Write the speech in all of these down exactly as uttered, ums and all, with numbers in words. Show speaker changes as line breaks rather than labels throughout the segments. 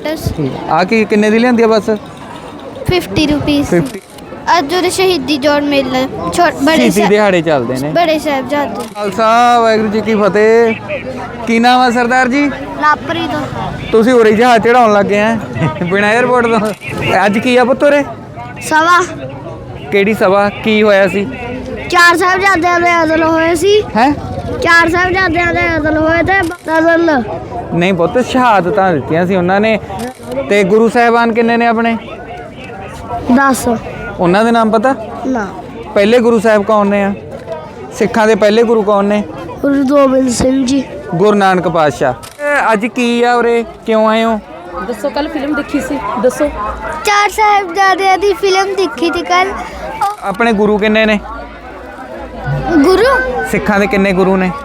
Lotus
ਆ ਕੀ ਕਿੰਨੇ ਦੀ ਲਿਆਂਦੀ ਆ ਬਸ
फिफ्टी रुपीस
फिफ्टी
ਅੱਜ ਉਹਦੇ ਸ਼ਹੀਦੀ ਜੋੜ ਮੇਲਾ ਛੋਟ ਬੜੇ
ਸ਼ਹੀਦੀ
ਸਾਹਿਬ
ਦਿਹਾੜੇ ਚੱਲਦੇ ਨੇ
ਬੜੇ ਸਾਹਿਬਜ਼ਾਦੇ
ਖਾਲਸਾ ਵਾਹਿਗੁਰੂ ਜੀ ਕੀ ਫਤਿਹ। ਕੀ ਨਾਮ ਆ ਸਰਦਾਰ ਜੀ?
ਲਾਪਰੀ ਤੋਂ
ਤੁਸੀਂ ਉਰੇ ਜਹਾਜ਼ ਚੜਾਉਣ ਲੱਗੇ ਆ ਬਿਨਾਂ 에ਅਰਪੋਰਟ ਤੋਂ। ਅੱਜ ਕੀ ਆ ਪੁੱਤ ਉਰੇ?
ਸਵਾ
ਕਿਹੜੀ ਸਭਾ? ਕੀ ਹੋਇਆ ਸੀ?
ਚਾਰ ਸਾਹਿਬਜ਼ਾਦਿਆਂ ਦੇ ਅਦਲ ਹੋਏ ਸੀ
ਹੈ
ਚਾਰ ਸਾਹਿਬਜ਼ਾਦਿਆਂ ਦੇ ਅਦਲ ਹੋਏ ਤੇ ਅਦਲ
ਨਹੀਂ ਪੁੱਤ, ਸ਼ਹਾਦਤਾਂ ਦਿੱਤੀਆਂ ਸੀ ਉਹਨਾਂ ਨੇ। ਤੇ ਗੁਰੂ ਸਾਹਿਬਾਨ ਕਿੰਨੇ ਨੇ ਆਪਣੇ?
ਦਸ
ਉਹਨਾਂ ਦੇ ਨਾਮ ਪਤਾ?
ਨਾ
ਪਹਿਲੇ ਗੁਰੂ ਸਾਹਿਬ ਕੌਣ ਨੇ ਆ? ਸਿੱਖਾਂ ਦੇ ਪਹਿਲੇ ਗੁਰੂ ਕੌਣ ਨੇ?
ਗੁਰੂ ਗੋਬਿੰਦ ਸਿੰਘ ਜੀ
ਗੁਰੂ ਨਾਨਕ ਪਾਤਸ਼ਾਹ। ਇਹ ਅੱਜ ਕੀ ਆ ਉਰੇ? ਕਿਉਂ ਆਏ ਹੋ?
ਦੱਸੋ ਕੱਲ ਫਿਲਮ ਦੇਖੀ ਸੀ, ਦੱਸੋ।
ਚਾਰ ਸਾਹਿਬਜ਼ਾਦਿਆਂ ਦੀ ਫਿਲਮ ਦੇਖੀ ਸੀ ਕੱਲ।
ਆਪਣੇ ਗੁਰੂ ਕਿੰਨੇ ਨੇ?
ਗੁਰੂ
ਸਿੱਖਾਂ ਦੇ ਕਿੰਨੇ ਗੁਰੂ ਨੇ?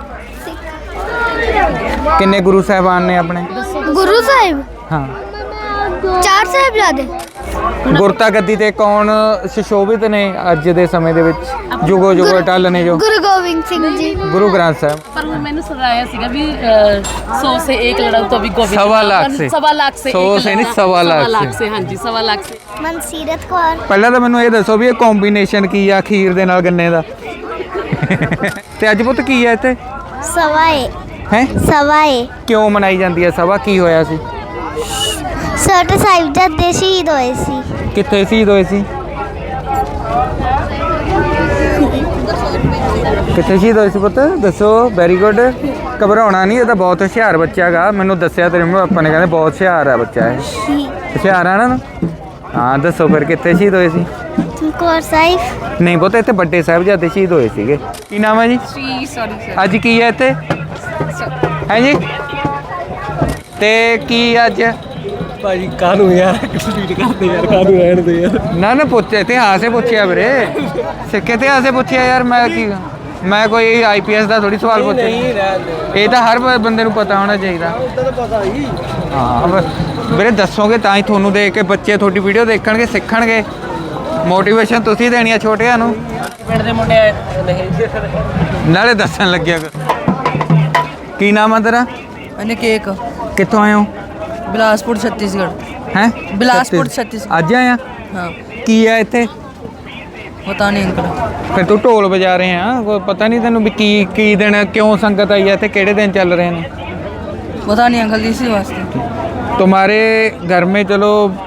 ਕਿੰਨੇ ਗੁਰੂ ਸਾਹਿਬਾਨ ਨੇ ਆਪਣੇ?
ਗੁਰੂ ਸਾਹਿਬ
ਹਾਂ।
ਚਾਰ ਸਾਹਿਬਜ਼ਾਦੇ
ਗੁਰਤਾ ਗੱਦੀ ਤੇ ਕੌਣ ਸੁਸ਼ੋਭਿਤ ਨੇ ਅੱਜ ਦੇ ਸਮੇਂ ਦੇ ਵਿੱਚ? ਜੁਗੋ ਜੁਗੋ ਟੱਲ ਨੇ ਜੋ
ਗੁਰੂ ਗੋਬਿੰਦ ਸਿੰਘ ਜੀ
ਗੁਰੂ ਗ੍ਰੰਥ ਸਾਹਿਬ।
पर वो मैंने सुनाया सीगा भी सौ से एक लड़ा तो अभी गोविंद
सवा लाख से।
सवा लाख से
सौ
एक
से
लड़ा।
नहीं, सवा लाख
सवा लाख
से।
से हाँ जी सवा लाख से।
ਮਨਸੀਰਤ ਕੌਰ
ਪਹਿਲਾਂ ਤਾਂ ਮੈਨੂੰ ਇਹ ਦੱਸੋ ਵੀ ਇਹ ਕੰਬੀਨੇਸ਼ਨ ਕੀ ਆ ਖੀਰ ਦੇ ਨਾਲ ਗੰਨੇ ਦਾ? ਤੇ ਅੱਜ ਪੁੱਤ ਕੀ ਆ ਇੱਥੇ?
ਸਵਾਏ
ਹੈ
ਸਵਾਏ
ਕਿਉਂ ਮਨਾਈ ਜਾਂਦੀ ਹੈ ਸਭਾ? ਕੀ ਹੋਇਆ ਸੀ?
ਛੋਟੇ ਸਾਹਿਬਜ਼ਾਦੇ ਸ਼ਹੀਦ ਹੋਏ ਸੀ।
ਕਿੱਥੇ ਸ਼ਹੀਦ ਹੋਏ ਸੀ? ਕਿੱਥੇ ਸ਼ਹੀਦ ਹੋਏ ਸੀ ਪੁੱਤ? ਦੱਸੋ। Very good. ਘਬਰਾਉਣਾ ਨਹੀਂ, ਇਹ ਤਾਂ ਬਹੁਤ ਹੁਸ਼ਿਆਰ ਬੱਚਾ ਗਾ। ਮੈਨੂੰ ਦੱਸਿਆ ਤੇਰੇ ਮੰਮੀ ਪਾਪਾ ਨੇ, ਕਹਿੰਦੇ ਬਹੁਤ ਹੁਸ਼ਿਆਰ ਆ ਬੱਚਾ ਇਹ। ਹੁਸ਼ਿਆਰ ਆ ਨਾ? ਹਾਂ ਦੱਸੋ ਫਿਰ ਕਿੱਥੇ ਸ਼ਹੀਦ ਹੋਏ ਸੀ?
ਚਮਕੌਰ ਸਾਹਿਬ
ਨਹੀਂ ਪੁੱਤ, ਇੱਥੇ ਵੱਡੇ ਸਾਹਿਬਜ਼ਾਦੇ ਸ਼ਹੀਦ ਹੋਏ ਸੀਗੇ। ਕੀ ਨਾਮ ਹੈ ਜੀ?
श्री सॉरी
ਅੱਜ ਕੀ ਹੈ ਇੱਥੇ? ਹੈ ਜੀ? ਤੇ ਕੀ ਅੱਜ?
ਭਾਜੀ ਕਾਹਨੂੰ ਯਾਰ ਕੰਪਲੀਟ ਕਰਦੇ ਯਾਰ, ਕਾਹਨੂੰ ਰਹਿਣ ਦੇ ਯਾਰ।
ਨਾ ਨਾ ਪੁੱਛ ਇਤਿਹਾਸ ਹੀ ਪੁੱਛਿਆ ਵੀਰੇ, ਸਿੱਖ ਇਤਿਹਾਸ ਹੀ ਪੁੱਛਿਆ ਯਾਰ। ਮੈਂ ਕੀ ਮੈਂ ਕੋਈ ਆਈ ਪੀ ਐਸ ਦਾ ਥੋੜੀ ਸਵਾਲ ਪੁੱਛਿਆ।
ਨਹੀਂ ਰਹਿਣ ਦੇ,
ਇਹ ਤਾਂ ਹਰ ਬ- ਬੰਦੇ ਨੂੰ ਪਤਾ ਹੋਣਾ ਚਾਹੀਦਾ।
ਉਦਾਂ ਤਾਂ ਪਤਾ ਹੀ।
ਹਾਂ ਬ- ਵੀਰੇ ਦੱਸੋਗੇ ਤਾਂ ਹੀ ਤੁਹਾਨੂੰ ਦੇਖ ਕੇ ਬੱਚੇ ਤੁਹਾਡੀ ਵੀਡੀਓ ਦੇਖਣਗੇ, ਸਿੱਖਣਗੇ। ਮੋਟੀਵੇਸ਼ਨ ਤੁਸੀਂ ਦੇਣੀ ਆ ਛੋਟਿਆਂ ਨੂੰ,
ਪਿੰਡ ਦੇ ਮੁੰਡੇ ਨਹੀਂ
ਨਾਲੇ ਦੱਸਣ ਲੱਗਿਆ ਕਰ। ਕੀ ਨਾਮ ਆ ਤੇਰਾ?
मैंने केक
ਕਿੱਥੋਂ ਆਏ ਹੋ?
बिलासपुर छत्तीसगढ़।
ਹੈ
ਬਿਲਾਸਪੁਰ, ਛੱਤੀਸਗੜ੍ਹ।
ਅੱਜ ਆਇਆ?
हाँ
ਕੀ ਆ ਇੱਥੇ?
पता नहीं अंकल।
ਫਿਰ ਤੂੰ ਢੋਲ ਵਜਾ ਰਹੇ ਆ, ਕੋਈ ਪਤਾ ਨਹੀਂ ਤੈਨੂੰ ਵੀ ਕੀ ਕੀ ਦਿਨ, ਕਿਉਂ ਸੰਗਤ ਆਈ ਹੈ ਤੇ ਕਿਹੜੇ ਦਿਨ ਚੱਲ ਰਹੇ ਨੇ?
पता नहीं अंकल, इसी वास्ते।
तुम्हारे घर में चलो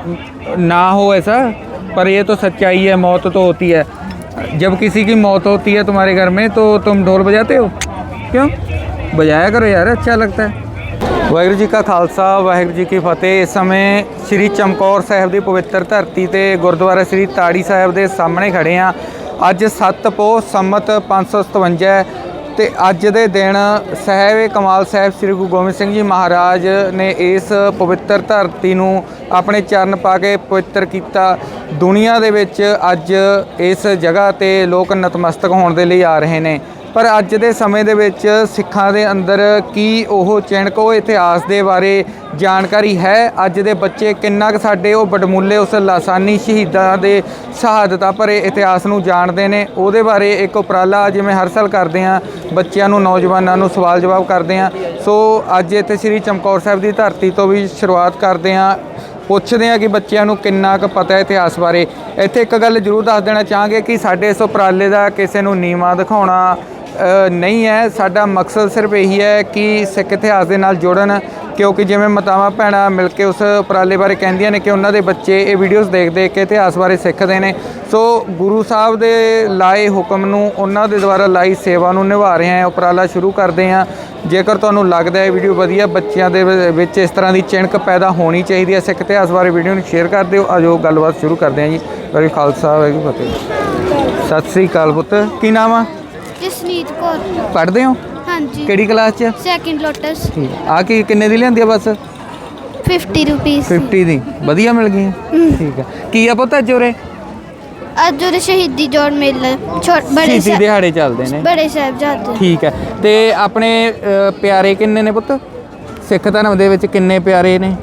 ना हो ऐसा, पर ये तो सच्चाई है, मौत तो होती है। जब किसी की मौत होती है तुम्हारे घर में तो तुम ढोल बजाते हो? क्यों? बजाया करो यार, अच्छा लगता है। ਵਾਹਿਗੁਰੂ ਜੀ ਕਾ ਖਾਲਸਾ ਵਾਹਿਗੁਰੂ ਜੀ ਕੀ ਫਤਿਹ। ਇਸ ਸਮੇਂ ਸ੍ਰੀ ਚਮਕੌਰ ਸਾਹਿਬ ਦੀ ਪਵਿੱਤਰ ਧਰਤੀ ਤੇ ਗੁਰਦੁਆਰਾ ਸ੍ਰੀ ਤਾੜੀ ਸਾਹਿਬ ਦੇ ਸਾਹਮਣੇ ਖੜੇ ਆ। ਅੱਜ ਸੱਤ ਪੋਹ ਸੰਮਤ ਪੰਜ ਸੌ ਸਤਵੰਜਾ ਤੇ ਅੱਜ ਦੇ ਦਿਨ ਸਾਹਿਬ ਕਮਾਲ ਸਾਹਿਬ ਸ੍ਰੀ ਗੁਰੂ ਗੋਬਿੰਦ ਸਿੰਘ ਜੀ ਮਹਾਰਾਜ ਨੇ ਇਸ ਪਵਿੱਤਰ ਧਰਤੀ ਨੂੰ ਆਪਣੇ ਚਰਨ ਪਾ ਕੇ ਪਵਿੱਤਰ ਕੀਤਾ। ਦੁਨੀਆ ਦੇ ਵਿੱਚ ਅੱਜ ਇਸ ਜਗ੍ਹਾ ਤੇ ਲੋਕ ਨਤਮਸਤਕ ਹੋਣ ਦੇ ਲਈ ਆ ਰਹੇ ਨੇ। ਪਰ ਅੱਜ ਦੇ ਸਮੇਂ ਦੇ ਵਿੱਚ ਸਿੱਖਾਂ ਦੇ ਅੰਦਰ ਕੀ ਉਹ ਚਿਣਕ, ਉਹ ਇਤਿਹਾਸ ਦੇ ਬਾਰੇ ਜਾਣਕਾਰੀ ਹੈ? ਅੱਜ ਦੇ ਬੱਚੇ ਕਿੰਨਾ ਕੁ ਸਾਡੇ ਉਹ ਵਡਮੁੱਲੇ ਉਸ ਲਾਸਾਨੀ ਸ਼ਹੀਦਾਂ ਦੇ ਸ਼ਹਾਦਤਾਂ ਭਰੇ ਇਤਿਹਾਸ ਨੂੰ ਜਾਣਦੇ ਨੇ? ਉਹਦੇ ਬਾਰੇ ਇੱਕ ਉਪਰਾਲਾ ਜਿਵੇਂ ਹਰ ਸਾਲ ਕਰਦੇ ਹਾਂ, ਬੱਚਿਆਂ ਨੂੰ, ਨੌਜਵਾਨਾਂ ਨੂੰ ਸਵਾਲ ਜਵਾਬ ਕਰਦੇ ਹਾਂ। ਸੋ ਅੱਜ ਇੱਥੇ ਸ੍ਰੀ ਚਮਕੌਰ ਸਾਹਿਬ ਦੀ ਧਰਤੀ ਤੋਂ ਵੀ ਸ਼ੁਰੂਆਤ ਕਰਦੇ ਹਾਂ, ਪੁੱਛਦੇ ਹਾਂ ਕਿ ਬੱਚਿਆਂ ਨੂੰ ਕਿੰਨਾ ਕੁ ਪਤਾ ਹੈ ਇਤਿਹਾਸ ਬਾਰੇ। ਇੱਥੇ ਇੱਕ ਗੱਲ ਜ਼ਰੂਰ ਦੱਸ ਦੇਣਾ ਚਾਹਾਂਗੇ ਕਿ ਸਾਡੇ ਇਸ ਉਪਰਾਲੇ ਦਾ ਕਿਸੇ ਨੂੰ ਨੀਵਾਂ ਦਿਖਾਉਣਾ ਨਹੀਂ ਹੈ। ਸਾਡਾ ਮਕਸਦ ਸਿਰਫ ਇਹੀ ਹੈ ਕਿ ਸਿੱਖ ਇਤਿਹਾਸ ਦੇ ਨਾਲ ਜੁੜਨ, ਕਿਉਂਕਿ ਜਿਵੇਂ ਮਾਤਾਵਾਂ ਭੈਣਾਂ ਮਿਲ ਕੇ ਉਸ ਉਪਰਾਲੇ ਬਾਰੇ ਕਹਿੰਦੀਆਂ ਨੇ ਕਿ ਉਹਨਾਂ ਦੇ ਬੱਚੇ ਇਹ ਵੀਡੀਓਜ਼ ਦੇਖ ਦੇਖ ਕੇ ਇਤਿਹਾਸ ਬਾਰੇ ਸਿੱਖਦੇ ਨੇ। ਸੋ ਗੁਰੂ ਸਾਹਿਬ ਦੇ ਲਾਏ ਹੁਕਮ ਨੂੰ, ਉਹਨਾਂ ਦੇ ਦੁਆਰਾ ਲਾਈ ਸੇਵਾ ਨੂੰ ਨਿਭਾ ਰਹੇ ਹਾਂ, ਉਪਰਾਲਾ ਸ਼ੁਰੂ ਕਰਦੇ ਹਾਂ। ਜੇਕਰ ਤੁਹਾਨੂੰ ਲੱਗਦਾ ਹੈ ਵੀਡੀਓ ਵਧੀਆ, ਬੱਚਿਆਂ ਦੇ ਵਿੱਚ ਇਸ ਤਰ੍ਹਾਂ ਦੀ ਚਿਣਕ ਪੈਦਾ ਹੋਣੀ ਚਾਹੀਦੀ ਹੈ ਸਿੱਖ ਇਤਿਹਾਸ ਬਾਰੇ, ਵੀਡੀਓ ਨੂੰ ਸ਼ੇਅਰ ਕਰ ਦਿਓ। ਆਜੋ ਗੱਲਬਾਤ ਸ਼ੁਰੂ ਕਰਦੇ ਹਾਂ ਜੀ। ਵਾਹਿਗੁਰੂ ਖਾਲਸਾ ਵਾਹਿਗੁਰੂ ਫਤਿਹ। ਸਤਿ ਸ੍ਰੀ ਅਕਾਲ ਪੁੱਤ, ਕੀ ਨਾਮ ਆ?
ਜਸਨੀਤ ਕੌਰ
ਪੜ੍ਹਦੇ ਹੋ?
ਹਾਂਜੀ
ਕਿਹੜੀ ਕਲਾਸ 'ਚ?
ਸੈਕਿੰਡ ਲੋਟਸ
ਠੀਕ ਆ। ਕੀ ਕਿੰਨੇ ਦੀ ਲਿਆਂਦੀ ਆ ਬਸ?
ਫਿਫਟੀ ਰੁਪੀਸ
ਫਿਫਟੀ ਦੀ ਵਧੀਆ ਮਿਲ ਗਈ? ਠੀਕ ਆ। ਕੀ ਆ ਪੁੱਤ ਅੱਜ ਉਰੇ?
ਅੱਜ ਉਹਦੇ ਸ਼ਹੀਦੀ ਜੋੜ ਮੇਲਾ ਛੋਟ ਬੜੇ
ਸ਼ਹੀਦੀ
ਸਾਹਿਬ
ਦਿਹਾੜੇ ਚੱਲਦੇ ਨੇ।
ਬੜੇ ਸਾਹਿਬਜ਼ਾਦੇ
ਠੀਕ ਹੈ। ਤੇ ਆਪਣੇ ਅ, ਪਿਆਰੇ ਕਿੰਨੇ ਨੇ ਪੁੱਤ? ਸਿੱਖ ਧਰਮ ਦੇ ਵਿੱਚ ਕਿੰਨੇ ਪਿਆਰੇ ਨੇ?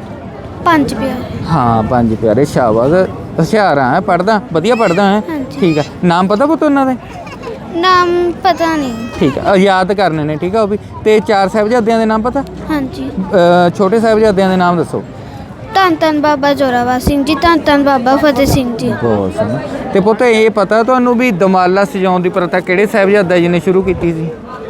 ਪੰਜ ਪਿਆਰੇ
ਹਾਂ ਪੰਜ ਪਿਆਰੇ। ਸ਼ਾਬਾਸ਼, ਹੁਸ਼ਿਆਰ ਆ, ਪੜ੍ਹਦਾ ਵਧੀਆ ਪੜ੍ਹਦਾ ਹੈ।
ਹਾਂਜੀ।
ਠੀਕ ਹੈ। ਨਾਮ ਪਤਾ ਪੁੱਤ ਉਹਨਾਂ ਦੇ?
ਨਾਮ ਪਤਾ ਨਹੀਂ।
ਠੀਕ ਹੈ, ਯਾਦ ਕਰਨੇ ਨੇ। ਠੀਕ ਆ ਉਹ ਵੀ। ਤੇ ਚਾਰ ਸਾਹਿਬਜ਼ਾਦਿਆਂ ਦੇ ਨਾਮ ਪਤਾ?
ਹਾਂਜੀ
ਅ, ਛੋਟੇ ਸਾਹਿਬਜ਼ਾਦਿਆਂ ਦੇ ਨਾਮ ਦੱਸੋ।
ਧੰਨ ਧੰਨ ਬਾਬਾ ਜ਼ੋਰਾਵਰ ਸਿੰਘ ਜੀ, ਧੰਨ ਧੰਨ ਬਾਬਾ ਫਤਿਹ ਸਿੰਘ ਜੀ।
ਬਹੁਤ ਸੋਹਣਾ। ਤੇ ਪੁੱਤ ਇਹ ਪਤਾ ਤੁਹਾਨੂੰ ਵੀ ਦਮਾਲਾ ਸਜਾਉਣ ਦੀ ਪ੍ਰਥਾ ਕਿਹੜੇ ਸਾਹਿਬਜ਼ਾਦਾ ਜੀ ਨੇ ਸ਼ੁਰੂ ਕੀਤੀ ਸੀ?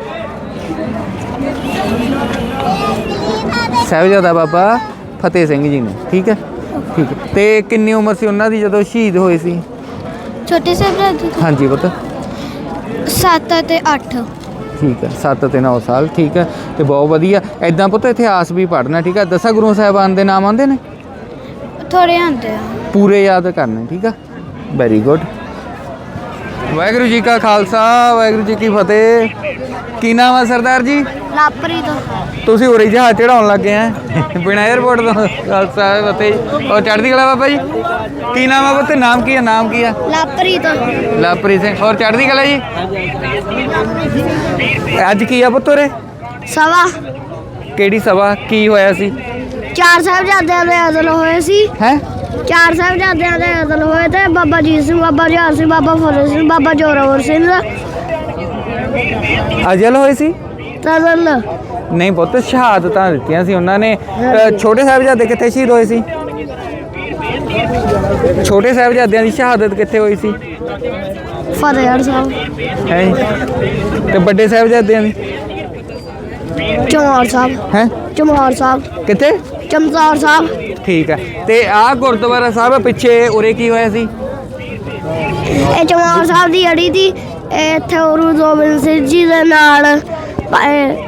ਸਾਹਿਬਜ਼ਾਦਾ ਬਾਬਾ ਫਤਿਹ ਸਿੰਘ ਜੀ ਨੇ। ਠੀਕ ਹੈ ਠੀਕ ਹੈ। ਤੇ ਕਿੰਨੀ ਉਮਰ ਸੀ ਉਹਨਾਂ ਦੀ ਜਦੋਂ ਸ਼ਹੀਦ ਹੋਏ ਸੀ?
ਛੋਟੇ ਸਾਹਿਬਜ਼ਾਦੇ
ਹਾਂਜੀ ਪੁੱਤ।
ਸੱਤ ਅਤੇ ਅੱਠ।
ਠੀਕ ਹੈ, ਸੱਤ ਤੇ ਨੌ ਸਾਲ। ਠੀਕ ਹੈ। ਤੇ ਬਹੁਤ ਵਧੀਆ। ਐਦਾਂ ਪੁੱਤ ਇਤਿਹਾਸ ਵੀ ਪੜ੍ਹਨਾ। ਠੀਕ ਹੈ। ਦਸਾਂ ਗੁਰੂ ਸਾਹਿਬਾਨ ਦੇ ਨਾਮ ਆਉਂਦੇ ਨੇ?
ਥੋੜੇ ਆਉਂਦੇ ਆ।
ਪੂਰੇ ਯਾਦ ਕਰਨੇ। ਠੀਕ ਆ, ਵੈਰੀ ਗੁੱਡ। ਵਾਹਿਗੁਰੂ ਜੀ ਕਾ ਖਾਲਸਾ, ਵਾਹਿਗੁਰੂ ਜੀ ਕੀ ਫਤਿਹ। ਕੀ ਨਾਮ ਆ ਸਰਦਾਰ ਜੀ?
ਲਾਪਰੀ ਤੋਂ।
ਤੁਸੀਂ ਉਰੇ ਜਹਾਜ਼ ਚੜਾਉਣ ਲੱਗੇ ਆ ਬਿਨਾਂ 에ਅਰਪੋਰਟ ਤੋਂ? ਖਾਲਸਾ ਫਤਿਹ। ਔਰ ਚੜ੍ਹਦੀ ਕਲਾ ਬਾਬਾ ਜੀ। ਕੀ ਨਾਮ ਆ ਪੁੱਤ? ਨਾਮ ਕੀ ਆ? ਨਾਮ ਕੀ ਆ?
ਲਾਪਰੀ ਤੋਂ।
ਲਵਪ੍ਰੀਤ ਸਿੰਘ। ਔਰ ਚੜ੍ਹਦੀ ਕਲਾ ਜੀ। ਅੱਜ ਕੀ ਆ ਪੁੱਤ ਉਰੇ?
ਸਵਾ
ਕਿਹੜੀ ਸਭਾ? ਕੀ ਹੋਇਆ ਸੀ?
ਚਾਰ ਸਾਹਿਬਜ਼ਾਦਿਆਂ ਦੇ ਅਦਲ ਹੋਏ ਸੀ।
ਹੈ
ਚਾਰ ਸਾਹਿਬਜ਼ਾਦਿਆਂ ਦੇ ਅਦਲ ਹੋਏ ਤੇ ਬਾਬਾ ਜੀਤ ਸਿੰਘ, ਬਾਬਾ ਜੁਝਾਰ ਸਿੰਘ, ਬਾਬਾ ਫਤਿਹ ਸਿੰਘ, ਬਾਬਾ ਜ਼ੋਰਾਵਰ ਸਿੰਘ
ਅਜਲ ਹੋਏ ਸੀ?
ਤਦਲ।
ਨਹੀਂ ਪੁੱਤ, ਸ਼ਹਾਦਤਾਂ ਦਿੱਤੀਆਂ ਸੀ ਉਹਨਾਂ ਨੇ। ਅ, ਛੋਟੇ ਸਾਹਿਬਜ਼ਾਦੇ ਕਿੱਥੇ ਸ਼ਹੀਦ ਹੋਏ ਸੀ? ਛੋਟੇ ਸਾਹਿਬਜ਼ਾਦਿਆਂ ਦੀ ਸ਼ਹਾਦਤ ਕਿੱਥੇ ਹੋਈ ਸੀ?
ਫਤਿਹਗੜ੍ਹ ਸਾਹਿਬ।
ਹੈ ਤੇ ਵੱਡੇ ਸਾਹਿਬਜ਼ਾਦਿਆਂ ਦੀ?
ਚਮਕੌਰ ਸਾਹਿਬ।
ਹੈ
ਚਮਕੌਰ ਸਾਹਿਬ।
ਕਿੱਥੇ?
ਚਮਕੌਰ ਸਾਹਿਬ।
ਠੀਕ ਹੈ। ਤੇ ਆਹ ਗੁਰਦੁਆਰਾ ਸਾਹਿਬ ਪਿੱਛੇ ਉਰੇ ਕੀ ਹੋਇਆ ਸੀ?
ਇਹ ਚਮਕੌਰ ਸਾਹਿਬ ਦੀ ਅੜੀ ਦੀ। ਇਹ ਇੱਥੇ ਗੁਰੂ ਗੋਬਿੰਦ ਸਿੰਘ ਜੀ ਦੇ ਨਾਲ ਪ-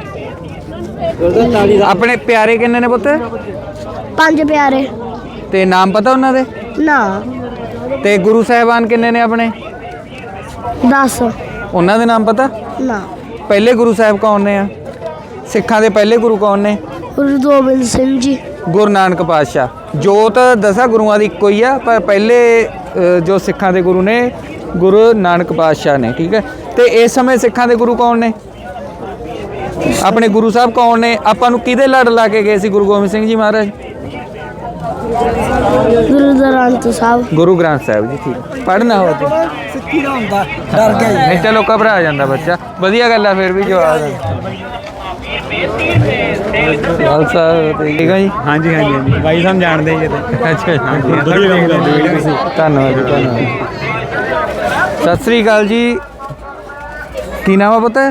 ਆਪਣੇ ਪਿਆਰੇ ਕਿੰਨੇ ਨੇ ਪੁੱਤ?
ਪੰਜ ਪਿਆਰੇ।
ਤੇ ਨਾਮ ਪਤਾ ਉਹਨਾਂ ਦੇ?
ਨਾ।
ਤੇ ਗੁਰੂ ਸਾਹਿਬਾਨ ਕਿੰਨੇ ਨੇ ਆਪਣੇ?
ਦਸ।
ਉਹਨਾਂ ਦੇ ਨਾਮ ਪਤਾ?
ਨਾ।
ਪਹਿਲੇ ਗੁਰੂ ਸਾਹਿਬ ਕੌਣ ਨੇ ਆ? ਸਿੱਖਾਂ ਦੇ ਪਹਿਲੇ ਗੁਰੂ ਕੌਣ ਨੇ?
ਗੁਰੂ ਗੋਬਿੰਦ ਸਿੰਘ ਜੀ।
ਗੁਰੂ ਨਾਨਕ ਪਾਤਸ਼ਾਹ। ਜੋਤ ਦਸਾਂ ਗੁਰੂਆਂ ਦੀ ਇੱਕੋ ਹੀ ਆ, ਪਰ ਪਹਿਲੇ ਅ, ਜੋ ਸਿੱਖਾਂ ਦੇ ਗੁਰੂ ਨੇ ਗੁਰੂ ਨਾਨਕ ਪਾਤਸ਼ਾਹ ਨੇ। ਠੀਕ ਹੈ। ਤੇ ਇਸ ਸਮੇਂ ਸਿੱਖਾਂ ਦੇ ਗੁਰੂ ਕੌਣ ਨੇ? ਆਪਣੇ ਗੁਰੂ ਸਾਹਿਬ ਕੌਣ ਨੇ? ਆਪਾਂ ਨੂੰ ਕਿਹਦੇ ਲੜ ਲਾ ਕੇ ਗਏ ਸੀ ਗੁਰੂ ਗੋਬਿੰਦ ਸਿੰਘ ਜੀ ਮਹਾਰਾਜ?
ਗੁਰੂ ਗ੍ਰੰਥ ਸਾਹਿਬ।
ਗੁਰੂ ਗ੍ਰੰਥ ਸਾਹਿਬ ਜੀ। ਠੀਕ। ਪੜ੍ਹਨਾ ਹੋ ਜੀ।
ਸਿੱਖੀ ਦਾ ਹੁੰਦਾ ਡਰ ਗਿਆ ਜੀ।
ਨਹੀਂ ਚਲੋ ਘਬਰਾ ਜਾਂਦਾ ਬੱਚਾ। ਵਧੀਆ ਗੱਲ ਆ ਫਿਰ ਵੀ ਜੋ ਆ ਖਾਲਸਾ ਠੀਕ ਹੈ ਜੀ।
ਹਾਂਜੀ ਹਾਂਜੀ ਹਾਂਜੀ ਬਾਈ ਸਾਨੂੰ ਜਾਣਦੇ ਜੀ ਤੇ
ਅੱਛਾ ਜੀ।
ਵਧੀਆ ਕੰਮ ਕਰਦੇ ਵੀਡੀਓ ਤੁਸੀਂ।
ਧੰਨਵਾਦ ਜੀ, ਧੰਨਵਾਦ। ਸਤਿ ਸ੍ਰੀ ਅਕਾਲ ਜੀ। ਕੀ ਨਾਮ ਆ ਪੁੱਤ?
ਹੈ